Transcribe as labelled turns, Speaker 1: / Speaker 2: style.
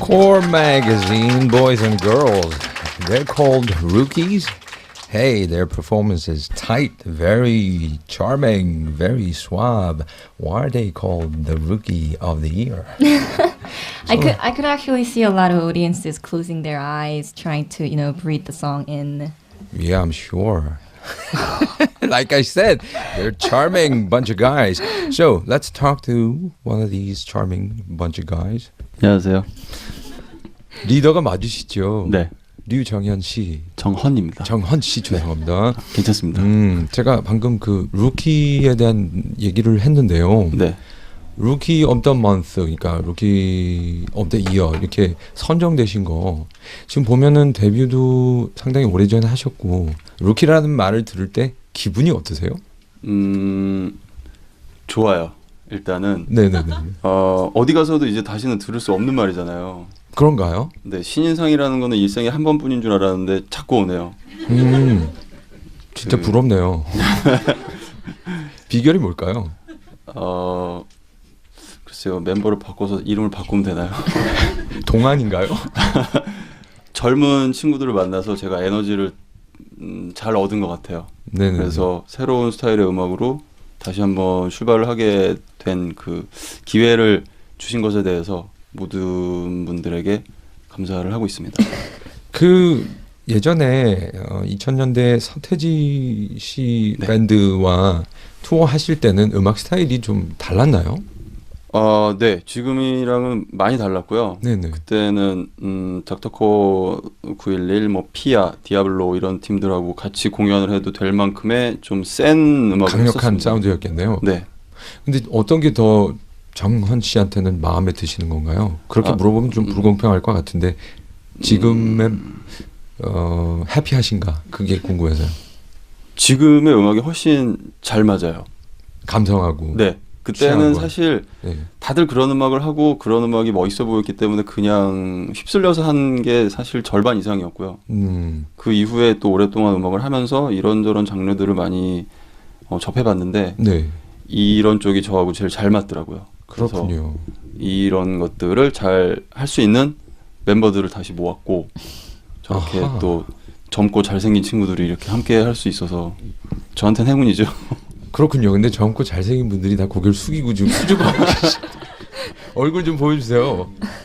Speaker 1: Core Magazine, boys and girls. They're called rookies. Hey, their performance is tight, very charming, very suave. Why are they called the Rookie of the Year?
Speaker 2: I could actually see a lot of audiences closing their eyes, trying to breathe the song in.
Speaker 1: Yeah, I'm sure. Like I said, they're a charming bunch of guys. So let's talk to one of these charming bunch of guys.
Speaker 3: 안녕하세요.
Speaker 1: 리더가 맞으시죠?
Speaker 3: 네,
Speaker 1: 류정현 씨.
Speaker 3: 정헌입니다.
Speaker 1: 정헌 씨 죄송합니다.
Speaker 3: 괜찮습니다.
Speaker 1: 제가 방금 그 루키에 대한 얘기를 했는데요.
Speaker 3: 네,
Speaker 1: 루키 오브 더 먼스, 그러니까 루키 오브 더 이어 이렇게 선정되신 거 지금 보면은 데뷔도 상당히 오래전에 하셨고 루키라는 말을 들을 때 기분이 어떠세요?
Speaker 3: 좋아요. 일단은
Speaker 1: 네네네.
Speaker 3: 어디 가서도 이제 다시는 들을 수 없는 말이잖아요.
Speaker 1: 그런가요?
Speaker 3: 네, 신인상이라는 거는 일생에 한 번뿐인 줄 알았는데 자꾸 오네요.
Speaker 1: 진짜 부럽네요. 비결이 뭘까요?
Speaker 3: 글쎄요, 멤버를 바꿔서 이름을 바꾸면 되나요?
Speaker 1: 동안인가요?
Speaker 3: 젊은 친구들을 만나서 제가 에너지를 잘 얻은 것 같아요.
Speaker 1: 네네.
Speaker 3: 그래서 새로운 스타일의 음악으로 다시 한번 출발을 하게 된 그 기회를 주신 것에 대해서 모든 분들에게 감사를 하고 있습니다.
Speaker 1: 그 예전에 2000년대 서태지 씨
Speaker 3: 네.
Speaker 1: 밴드와 투어 하실 때는 음악 스타일이 좀 달랐나요?
Speaker 3: 네, 지금이랑은 많이 달랐고요.
Speaker 1: 네네.
Speaker 3: 그때는 닥터코 911, 뭐 피아, 디아블로 이런 팀들하고 같이 공연을 해도 될 만큼의 좀 센 음악을
Speaker 1: 강력한
Speaker 3: 했었습니다.
Speaker 1: 사운드였겠네요.
Speaker 3: 네,
Speaker 1: 근데 어떤 게 더 정헌 씨한테는 마음에 드시는 건가요? 그렇게 물어보면 좀 불공평할 것 같은데 지금의 해피하신가? 그게 궁금해서요.
Speaker 3: 지금의 음악이 훨씬 잘 맞아요.
Speaker 1: 감성하고.
Speaker 3: 네,
Speaker 1: 취향과.
Speaker 3: 그때는 사실
Speaker 1: 네.
Speaker 3: 다들 그런 음악을 하고 그런 음악이 멋있어 보였기 때문에 그냥 휩쓸려서 한 게 사실 절반 이상이었고요. 그 이후에 또 오랫동안 음악을 하면서 이런저런 장르들을 많이 접해봤는데
Speaker 1: 네.
Speaker 3: 이런 쪽이 저하고 제일 잘 맞더라고요. 그래서
Speaker 1: 그렇군요.
Speaker 3: 이런 것들을 잘 할 수 있는 멤버들을 다시 모았고 저렇게
Speaker 1: 아하.
Speaker 3: 또 젊고 잘생긴 친구들이 이렇게 함께 할 수 있어서 저한테는 행운이죠.
Speaker 1: 그렇군요. 근데 젊고 잘생긴 분들이 다 고개를 숙이고 좀 수줍어하고 계시. 얼굴 좀 보여주세요.